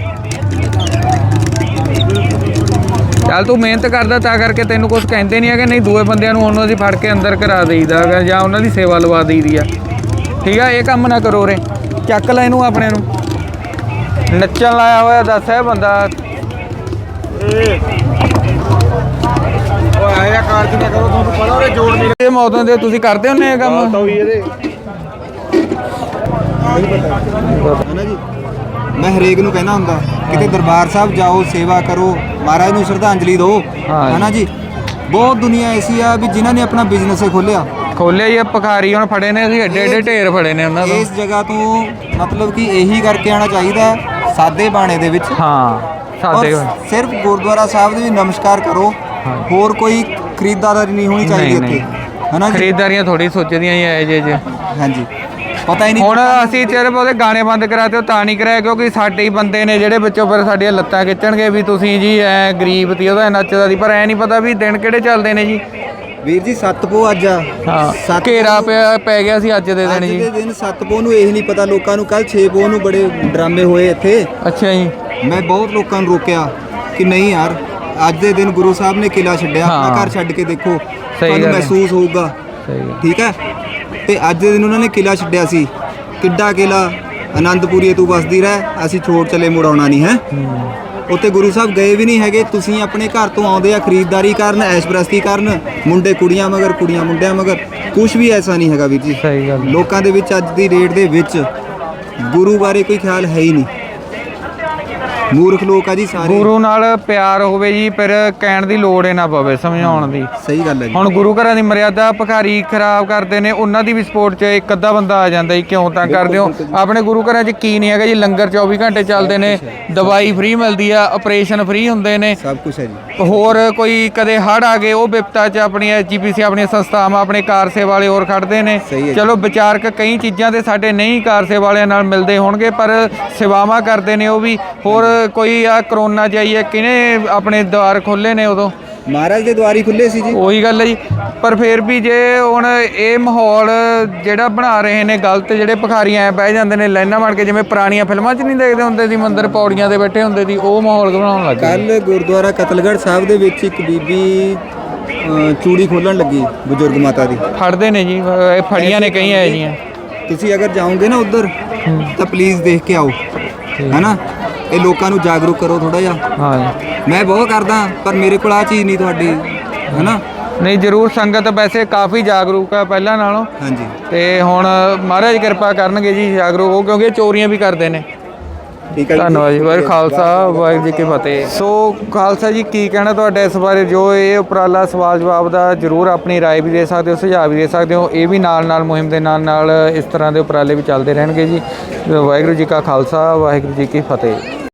ਚੱਲ ਤੂੰ ਮਿਹਨਤ ਕਰਦਾ ਤਾਂ ਕਰਕੇ ਤੈਨੂੰ ਕੁਝ ਕਹਿੰਦੇ ਨਹੀਂ ਹੈਗੇ ਨਹੀਂ ਦੂਏ ਬੰਦਿਆਂ ਨੂੰ ਉਹਨਾਂ ਦੀ ਫੜ ਕੇ ਅੰਦਰ ਕਰਾ ਦੇਈਦਾ ਹੈਗਾ ਜਾਂ ਉਹਨਾਂ ਦੀ ਸੇਵਾ ਲਵਾ ਦੇਈਦੀ ਆ ਠੀਕ ਆ ਇਹ ਕੰਮ ਨਾ ਕਰੋ ਰੇ ਚੱਕ ਲੈ ਇਹਨੂੰ ਆਪਣੇ ਨੂੰ ਨੱਚਣ ਲਾਇਆ ਹੋਇਆ ਦੱਸ ਇਹ ਬੰਦਾ ਓਏ ਆਇਆ ਕਾਰਜ ਨਾ ਕਰੋ ਤੁਹਾਨੂੰ ਪਤਾ ਉਹਦੇ ਜੋੜ ਨਹੀਂ ਇਹ ਮੌਤਾਂ ਦੇ ਤੁਸੀਂ ਕਰਦੇ ਹੁੰਦੇ ਇਹ ਕੰਮ ਤਾਂ ਵੀ ਇਹਦੇ
ਹੈ ਜੀ ਮੈਂ ਹਰੇਕ ਨੂੰ ਕਹਿਣਾ ਹੁੰਦਾ ਕਿਤੇ ਦਰਬਾਰ ਸਾਹਿਬ ਜਾਓ ਸੇਵਾ ਕਰੋ ਮਹਾਰਾਜ ਨੂੰ ਸ਼ਰਧਾਂਜਲੀ ਦਿਓ ਹੈ ਨਾ ਜੀ ਬਹੁਤ ਦੁਨੀਆ ਐਸੀ ਆ ਵੀ ਜਿਨ੍ਹਾਂ ਨੇ ਆਪਣਾ ਬਿਜ਼ਨਸ ਖੋਲਿਆ
ਖੋਲਿਆ ਹੀ ਭਿਖਾਰੀ ਹੁਣ ਫੜੇ ਨੇ ਅਸੀਂ ਏਡੇ ਏਡੇ ਢੇਰ ਫੜੇ ਨੇ ਉਹਨਾਂ ਤੋਂ
ਇਸ ਜਗ੍ਹਾ ਤੋਂ ਮਤਲਬ ਕਿ ਇਹੀ ਕਰਕੇ ਆਉਣਾ ਚਾਹੀਦਾ ਸਾਦੇ ਬਾਣੇ ਦੇ ਵਿੱਚ
ਹਾਂ ਸਾਦੇ
ਔਰ ਸਿਰਫ ਗੁਰਦੁਆਰਾ ਸਾਹਿਬ ਦੇ ਵੀ ਨਮਸਕਾਰ ਕਰੋ ਹੋਰ ਕੋਈ ਖਰੀਦਦਾਰੀ ਨਹੀਂ ਹੋਣੀ ਚਾਹੀਦੀ ਇੱਥੇ ਹੈ ਨਾ ਜੀ
ਖਰੀਦਦਾਰੀਆਂ ਥੋੜੀ ਸੋਚਦੀਆਂ ਹੀ ਐ ਜੇ ਜੇ
ਹਾਂਜੀ ਪਤਾ ਹੀ ਨਹੀਂ
ਹੁਣ ਅਸੀਂ ਸਿਰਫ ਉਹਦੇ ਗਾਣੇ ਬੰਦ ਕਰਾਤੇ ਉਹ ਤਾਂ ਨਹੀਂ ਕਰਾਇਆ ਕਿਉਂਕਿ ਸਾਡੇ ਹੀ ਬੰਦੇ ਨੇ ਜਿਹੜੇ ਵਿੱਚੋਂ ਫਿਰ ਸਾਡੀਆਂ ਲੱਤਾਂ ਖਿੱਚਣਗੇ ਵੀ ਤੁਸੀਂ ਜੀ ਐ ਗਰੀਬ ਤੀ ਉਹਦਾ ਨੱਚਦਾ ਸੀ ਪਰ ਐ ਨਹੀਂ ਪਤਾ ਵੀ ਦਿਨ ਕਿਹੜੇ ਚੱਲਦੇ ਨੇ ਜੀ
ਵੀਰ ਜੀ ਸੱਤ ਪੋ ਅੱਜ ਆ
ਹਾਂ
ਸੱਤ
ਘੇਰਾ ਪਿਆ ਪੈ ਗਿਆ ਸੀ ਅੱਜ ਦੇ ਦਿਨ
ਅੱਜ
ਜੀ
ਦੇ ਦਿਨ ਸੱਤ ਪੋ ਨੂੰ ਇਹ ਨਹੀਂ ਪਤਾ ਲੋਕਾਂ ਨੂੰ ਕੱਲ ਛੇ ਪੋ ਨੂੰ ਬੜੇ ਡਰਾਮੇ ਹੋਏ ਇੱਥੇ
ਅੱਛਾ ਜੀ
ਮੈਂ ਬਹੁਤ ਲੋਕਾਂ ਨੂੰ ਰੋਕਿਆ ਕਿ ਨਹੀਂ ਯਾਰ ਅੱਜ ਦੇ ਦਿਨ ਗੁਰੂ ਸਾਹਿਬ ਨੇ ਕਿਲਾ ਛੱਡਿਆ ਆਪਣਾ
ਹਾਂ।
ਘਰ ਛੱਡ ਕੇ ਦੇਖੋ
ਗੱਲ
ਤੁਹਾਨੂੰ
ਹੈ।
ਮਹਿਸੂਸ ਹੋਊਗਾ
ਸਹੀ ਗੱਲ
ਠੀਕ ਹੈ ਤੇ ਅੱਜ ਦੇ ਦਿਨ ਉਹਨਾਂ ਨੇ ਕਿਲਾ ਛੱਡਿਆ ਸੀ ਕਿੱਡਾ ਕਿਲਾ ਆਨੰਦਪੁਰੀਏ ਤੂੰ ਵਸਦੀ ਰਹਿ ਅਸੀਂ ਛੋੜ ਚਲੇ ਮੁੜ ਆਉਣਾ ਨਹੀਂ ਹੈ ਉੱਥੇ ਗੁਰੂ ਸਾਹਿਬ ਗਏ ਵੀ ਨਹੀਂ ਹੈਗੇ ਤੁਸੀਂ ਆਪਣੇ ਘਰ ਤੋਂ ਆਉਂਦੇ ਆ ਖਰੀਦਦਾਰੀ ਕਰਨ ਐਸ਼ਪ੍ਰਸਤੀ ਕਰਨ ਮੁੰਡੇ ਕੁੜੀਆਂ ਮਗਰ ਕੁੜੀਆਂ ਮੁੰਡਿਆਂ ਮਗਰ ਕੁਝ ਵੀ ਐਸਾ ਨਹੀਂ ਹੈਗਾ ਵੀਰ ਜੀ
ਸਹੀ ਗੱਲ
ਲੋਕਾਂ ਦੇ ਵਿੱਚ ਅੱਜ ਦੀ ਡੇਟ ਦੇ ਵਿੱਚ ਗੁਰੂ ਬਾਰੇ ਕੋਈ ਖਿਆਲ ਹੈ ਹੀ ਨਹੀਂ ਮੂਰਖ ਲੋਕ ਆ ਜੀ ਸਾਰੇ
ਗੁਰੂ ਨਾਲ ਪਿਆਰ ਹੋਵੇ ਜੀ ਫਿਰ ਕਹਿਣ ਦੀ ਲੋੜ ਹੀ ਨਾ ਪਵੇ ਸਮਝਾਉਣ ਦੀ
ਸਹੀ ਗੱਲ ਹੈ ਜੀ
ਹੁਣ ਗੁਰੂ ਘਰਾਂ ਦੀ ਮਰਿਆਦਾ ਭਿਖਾਰੀ ਖਰਾਬ ਕਰਦੇ ਨੇ ਉਹਨਾਂ ਦੀ ਵੀ ਸਪੋਰਟ 'ਚ ਇੱਕ ਅੱਧਾ ਬੰਦਾ ਆ ਜਾਂਦਾ ਜੀ ਕਿਉਂ ਤਾਂ ਕਰਦੇ ਹੋ ਆਪਣੇ ਗੁਰੂ ਘਰਾਂ 'ਚ ਕੀ ਨਹੀਂ ਹੈਗਾ ਜੀ ਲੰਗਰ ਚੌਵੀ ਘੰਟੇ ਚੱਲਦੇ ਨੇ ਦਵਾਈ ਫ੍ਰੀ ਮਿਲਦੀ ਆ ਆਪਰੇਸ਼ਨ ਫ੍ਰੀ ਹੁੰਦੇ ਨੇ
ਸਭ ਕੁਝ ਹੈ ਜੀ
ਹੋਰ ਕੋਈ ਕਦੇ ਹੜ੍ਹ ਆ ਗਏ ਉਹ ਵਿਪਤਾ 'ਚ ਆਪਣੀ ਐਚਜੀਪੀਸੀ ਆਪਣੀਆਂ ਸੰਸਥਾਵਾਂ ਆਪਣੇ ਕਾਰ ਸੇਵਾ ਵਾਲੇ ਹੋਰ ਖੜਦੇ ਨੇ
ਸਹੀ ਹੈ।
ਚਲੋ ਵਿਚਾਰਕ ਕਈ ਚੀਜ਼ਾਂ ਦੇ ਸਾਡੇ ਨਹੀਂ ਕਾਰ ਸੇਵਾ ਵਾਲਿਆਂ ਨਾਲ ਮਿਲਦੇ ਹੋਣਗੇ ਪਰ ਸੇਵਾਵਾਂ ਕਰਦੇ ਨੇ ਉਹ ਵੀ ਹੋਰ ਕੋਈ ਆ ਕਰੋਨਾ 'ਚ ਆਈ ਹੈ ਕਿਹਨੇ ਆਪਣੇ ਦੁਆਰ ਖੋਲ੍ਹੇ ਨੇ ਉਦੋਂ
ਮਹਾਰਾਜ ਦੇ ਦੁਆਰ ਹੀ ਖੁੱਲੇ ਸੀ ਜੀ
ਉਹੀ ਗੱਲ ਹੈ ਜੀ ਪਰ ਫਿਰ ਵੀ ਜੇ ਹੁਣ ਇਹ ਮਾਹੌਲ ਜਿਹੜਾ ਬਣਾ ਰਹੇ ਨੇ ਗਲਤ ਜਿਹੜੇ ਭਿਖਾਰੀ ਐ ਬਹਿ ਜਾਂਦੇ ਨੇ ਲਾਈਨਾਂ ਬਣ ਕੇ ਜਿਵੇਂ ਪੁਰਾਣੀਆਂ ਫਿਲਮਾਂ 'ਚ ਨਹੀਂ ਦੇਖਦੇ ਹੁੰਦੇ ਸੀ ਮੰਦਰ ਪੌੜੀਆਂ ਤੇ ਬੈਠੇ ਹੁੰਦੇ ਸੀ ਉਹ ਮਾਹੌਲ ਬਣਾਉਣ ਲੱਗ ਗਏ
ਕੱਲ ਗੁਰਦੁਆਰਾ ਕਤਲਗੜ੍ਹ ਸਾਹਿਬ ਦੇ ਵਿੱਚ ਇੱਕ ਬੀਬੀ ਅ, ਚੂੜੀ ਖੋਲਣ ਲੱਗੀ ਬਜ਼ੁਰਗ ਮਾਤਾ ਦੀ
ਫੜਦੇ ਨੇ ਜੀ ਇਹ ਫੜੀਆਂ ਨੇ ਕਈ ਐ ਜੀਆਂ
ਤੁਸੀਂ ਅਗਰ ਜਾਓਗੇ ਨਾ ਉੱਧਰ ਤਾਂ ਪਲੀਜ਼ ਦੇਖ ਕੇ ਆਓ ਹੈਨਾ ਇਹ ਲੋਕਾਂ ਨੂੰ ਜਾਗਰੂਕ ਕਰੋ ਥੋੜਾ ਜਿਹਾ
ਹਾਂ ਜੀ
ਮੈਂ ਬਹੁਤ ਕਰਦਾ ਪਰ ਮੇਰੇ ਕੋਲ ਆ ਚੀਜ਼ ਨਹੀਂ ਤੁਹਾਡੀ ਹੈਨਾ
ਨਹੀਂ ਜ਼ਰੂਰ ਸੰਗਤ ਵੈਸੇ ਕਾਫੀ ਜਾਗਰੂਕ ਆ ਪਹਿਲਾਂ ਨਾਲੋਂ
ਹਾਂਜੀ
ਤੇ ਹੁਣ ਮਹਾਰਾਜ ਕਿਰਪਾ ਕਰਨਗੇ ਜੀ ਜਾਗਰੂਕ ਹੋ ਕਿਉਂਕਿ ਚੋਰੀਆਂ ਵੀ ਕਰਦੇ ਨੇ
ਠੀਕ ਹੈ ਜੀ।
ਧੰਨਵਾਦ ਜੀ ਵਾਹਿਗੁਰੂ ਖਾਲਸਾ ਵਾਹਿਗੁਰੂ ਜੀ ਕੀ ਫਤਿਹ ਸੋ ਖਾਲਸਾ ਜੀ ਕੀ ਕਹਿਣਾ ਤੁਹਾਡਾ ਇਸ ਬਾਰੇ ਜੋ ਇਹ ਉਪਰਾਲਾ ਸਵਾਲ ਜਵਾਬ ਦਾ ਜ਼ਰੂਰ ਆਪਣੀ ਰਾਏ ਵੀ ਦੇ ਸਕਦੇ ਹੋ ਸੁਝਾਅ ਵੀ ਦੇ ਸਕਦੇ ਹੋ ਇਹ ਵੀ ਨਾਲ ਨਾਲ ਮੁਹਿੰਮ ਦੇ ਨਾਲ ਨਾਲ ਇਸ ਤਰ੍ਹਾਂ ਦੇ ਉਪਰਾਲੇ ਵੀ ਚੱਲਦੇ ਰਹਿਣਗੇ ਜੀ ਵਾਹਿਗੁਰੂ ਜੀ ਕਾ ਖਾਲਸਾ ਵਾਹਿਗੁਰੂ ਜੀ ਕੀ ਫਤਿਹ